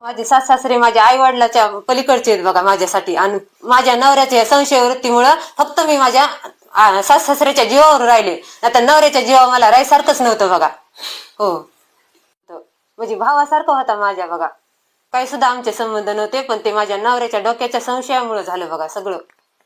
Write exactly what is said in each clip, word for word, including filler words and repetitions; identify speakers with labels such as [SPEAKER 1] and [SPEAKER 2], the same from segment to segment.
[SPEAKER 1] माझे सास सासरे माझ्या आई वडिलाच्या पलीकडचे आहेत बघा माझ्यासाठी. आणि माझ्या नवऱ्याच्या संशय वृत्तीमुळं फक्त मी माझ्या सास सासऱ्याच्या जीवावर राहिले. आता नवऱ्याच्या जीवा मला राहायसारखंच नव्हतं बघा. हो, म्हणजे भावासारखं होता माझ्या बघा. काही सुद्धा आमचे संबंध नव्हते, पण ते माझ्या नवऱ्याच्या डोक्याच्या संशयामुळे झालं बघा सगळं.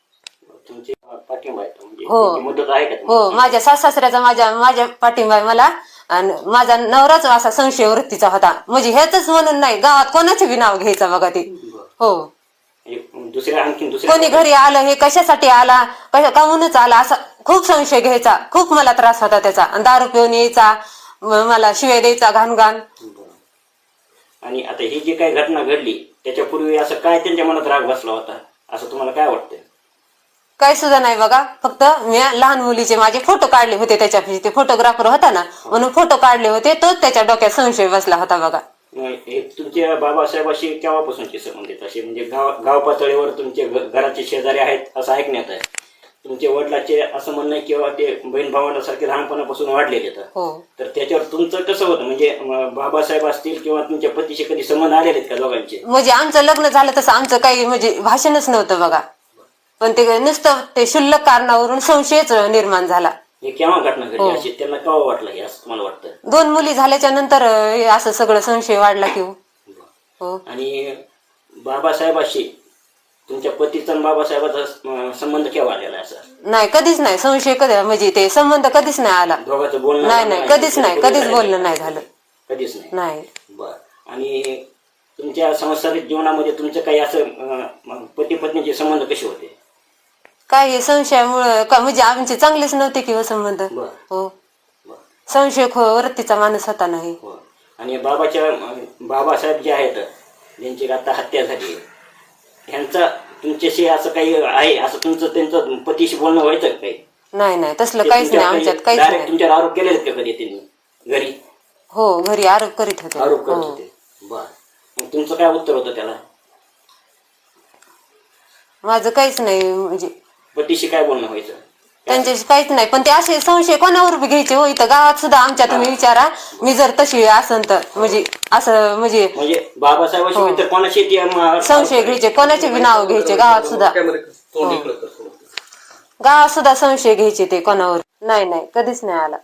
[SPEAKER 1] हो हो, माझ्या सास सासऱ्याचा माझ्या माझ्या पाठिंबा आहे मला. आणि माझा नवराच असा संशय वृत्तीचा होता. म्हणजे हेच म्हणून नाही, गावात कोणाचे बी नाव घ्यायचं बघा ते. हो,
[SPEAKER 2] दुसऱ्या आणखी
[SPEAKER 1] कोणी घरी आलं हे कशासाठी आला, कशा कामूनच आला असा खूप संशय घ्यायचा. खूप मला त्रास होता त्याचा. दारू पिऊन यायचा, मला शिवाय द्यायचा घाण घाण.
[SPEAKER 2] आणि आता ही जी काही घटना घडली त्याच्यापूर्वी असं काय त्यांच्या मनात राग बसला होता असं तुम्हाला काय वाटतंय?
[SPEAKER 1] काही सुद्धा नाही बघा. फक्त मी लहान मुलीचे माझे फोटो काढले होते त्याच्या, ते फोटोग्राफर होता ना म्हणून फोटो काढले होते, तोच त्याच्या डोक्यात संशय बसला होता बघा.
[SPEAKER 2] तुमच्या बाबासाहेबाशी केव्हापासूनचे संबंधित असे म्हणजे गाव गाव पातळीवर तुमचे घराचे शेजारी आहेत असं ऐकण्यात आहे. तुमच्या वडिलाचे असं म्हणणं आहे किंवा ते बहीण भावांसारखे लहानपणापासून वाढलेले आहेत. तर त्याच्यावर तुमचं कसं होतं म्हणजे बाबासाहेब असतील किंवा तुमच्या पतीशी कधी संबंध आलेले आहेत का दोघांचे?
[SPEAKER 1] म्हणजे आमचं लग्न झालं तसं आमचं काही म्हणजे भाषणच नव्हतं बघा. पण ते नुसतं ते शुल्लक कारणावरून संशयच निर्माण झाला.
[SPEAKER 2] हे केव्हा घटना घडली अशी त्यांना केव्हा वाटलं हे असं तुम्हाला वाटतं?
[SPEAKER 1] दोन मुली झाल्याच्या नंतर असं सगळं संशय वाढला की. हो.
[SPEAKER 2] आणि बाबासाहेबाशी तुमच्या पतीचा आणि बाबासाहेबाचा संबंध केव्हा आलेला आहे? असं नाही,
[SPEAKER 1] कधीच नाही. संशय कधी म्हणजे ते संबंध कधीच नाही आला.
[SPEAKER 2] दोघांचं बोलणं
[SPEAKER 1] नाही नाही कधीच नाही, कधीच बोलणं नाही झालं.
[SPEAKER 2] कधीच नाही
[SPEAKER 1] नाही.
[SPEAKER 2] बर. आणि तुमच्या सांसारिक जीवनामध्ये तुमचं काही असं पती पत्नीचे संबंध कसे होते?
[SPEAKER 1] काही संशयामुळं का म्हणजे आमचे चांगलेच नव्हते किंवा संबंध. हो, संशय वृत्तीचा माणूस होता नाही.
[SPEAKER 2] आणि बाबाच्या बाबासाहेब जे आहेत ज्यांची आता हत्या झाली ह्यांचा तुमच्याशी असं काही आहे असं तुमचं त्यांचं पतीशी बोलणं व्हायचं काही?
[SPEAKER 1] नाही नाही तसलं काहीच नाही आमच्यात, काहीच नाही.
[SPEAKER 2] तुमच्यावर आरोप केले का कधी त्यांनी घरी?
[SPEAKER 1] हो, घरी आरोप करीत होते.
[SPEAKER 2] आरोप करत होते. बर. मग तुमचं काय उत्तर होतं त्याला?
[SPEAKER 1] माझं काहीच नाही. म्हणजे
[SPEAKER 2] पतीशी काय बोलणं व्हायचं?
[SPEAKER 1] त्यांच्याशी काहीच नाही. पण ते असे संशय कोणावर बी घ्यायचे हो. इथं गावात सुद्धा आमच्या तुम्ही विचारा, मी जर तशी असन तर म्हणजे असं म्हणजे
[SPEAKER 2] म्हणजे बाबासाहेबांशी तर कोणाशी
[SPEAKER 1] संशय घ्यायचे, कोणाचे बी नाव घ्यायचे गावात सुद्धा. गावात सुद्धा संशय घ्यायचे ते कोणावर. नाही नाही कधीच नाही आला.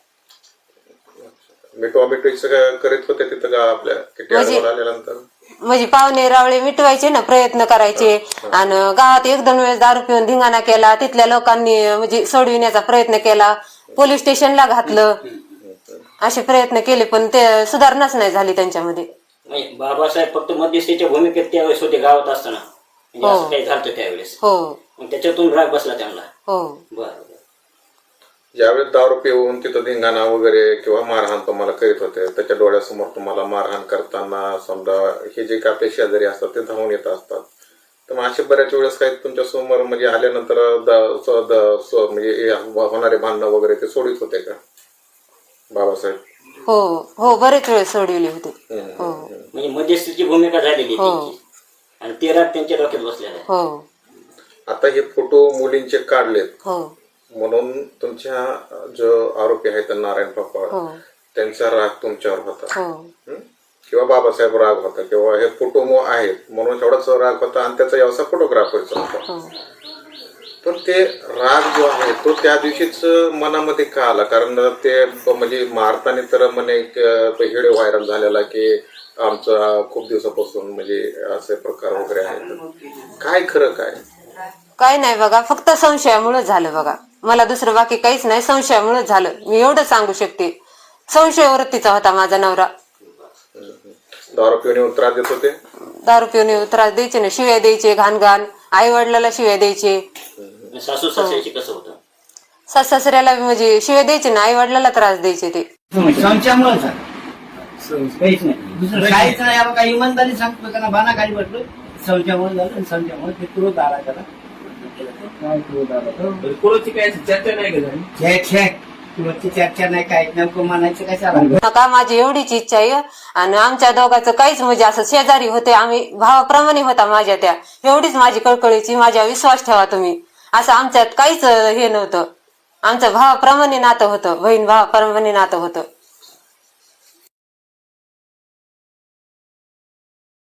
[SPEAKER 3] करीत होते तिथं का आपल्या
[SPEAKER 1] म्हणजे पाहुणे रावळे मिटवायचे ना, प्रयत्न करायचे. आणि गावात एक दोन वेळेस दारू पिऊन धिंगाणा केला, तिथल्या लोकांनी म्हणजे सोडविण्याचा प्रयत्न केला, पोलीस स्टेशनला घातलं, असे प्रयत्न केले पण ते सुधारणाच नाही झाली त्यांच्यामध्ये.
[SPEAKER 2] बाबासाहेब फक्त मध्यस्थीच्या भूमिकेत त्यावेळेस होते गावात असताना, असं काही झालं त्यावेळेस.
[SPEAKER 1] हो,
[SPEAKER 2] त्याच्यातून राग बसला त्यांना.
[SPEAKER 1] हो.
[SPEAKER 2] बरं.
[SPEAKER 3] ज्यावेळेस दारू पिऊन तिथं धिंगाणा वगैरे किंवा मारहाण तुम्हाला करीत होते, त्याच्या डोळ्यासमोर तुम्हाला मारहाण करताना समजा हे जे काही आपले शेजारी असतात ते धावून येत असतात, तर मग असे बऱ्याच वेळेस काही तुमच्या समोर म्हणजे आल्यानंतर म्हणजे होणारे भांडणं वगैरे ते सोडित होते का बाबासाहेब?
[SPEAKER 1] हो हो, बरेच वेळ सोडविले होते. हो,
[SPEAKER 2] म्हणजे मध्यस्थीची भूमिका झालेली आणि ते राग त्यांच्या डोक्यात बसलेला आहे.
[SPEAKER 1] हो.
[SPEAKER 3] आता हे फोटो मुलींचे काढलेत.
[SPEAKER 1] हो.
[SPEAKER 3] म्हणून तुमच्या जो आरोपी आहेत नारायण पापा त्यांचा राग तुमच्यावर होता किंवा बाबासाहेब राग होता किंवा हे फोटो आहेत म्हणून एवढाच राग होता आणि त्याचा व्यवसाय फोटोग्राफरचा होता. पण ते राग जो आहे तो त्या दिवशीच मनामध्ये का आला? कारण ते म्हणजे मारताना तर म्हणे व्हिडिओ व्हायरल झालेला की आमचा खूप दिवसापासून म्हणजे असे प्रकार वगैरे आहेत. काय खरं काय?
[SPEAKER 1] काय नाही बघा, फक्त संशयामुळे झालं बघा. मला दुसरं बाकी काहीच नाही, संशयामुळे झालं. मी एवढं सांगू शकते. संशय वृत्तीचा होता माझा नवरा.
[SPEAKER 3] दारू पिऊन त्रास देत होते?
[SPEAKER 1] दारू पिऊन त्रास द्यायचे ना, शिव्या द्यायचे घाण घाण, आई वडिलाला शिव्या द्यायचे.
[SPEAKER 2] सासू सासऱ्याची कसं होतं?
[SPEAKER 1] सास सासऱ्याला म्हणजे शिव्या द्यायचे ना, आई वडिलाला त्रास द्यायचे ते.
[SPEAKER 4] संशयामुळे काहीच नाही, दुसरं काहीच नाही. काही इमानदारी सांगतो त्यांना बाना खाली म्हटलं संशयामुळे झालं. संशयामुळे ते क्रोध आला त्याला.
[SPEAKER 2] चर्चा
[SPEAKER 4] नाही काय नेमकं म्हणायचं काय
[SPEAKER 1] का माझी एवढीच इच्छा आहे. आणि आमच्या दोघांचं काहीच म्हणजे असं शेजारी होते, आम्ही भावाप्रमाणे होता माझ्या त्या. एवढीच माझी कळकळीची, माझ्या विश्वास ठेवा तुम्ही. असं आमच्यात काहीच हे नव्हतं. आमचं भावाप्रमाणे नातं होतं, बहीण भावाप्रमाणे नातं होतं.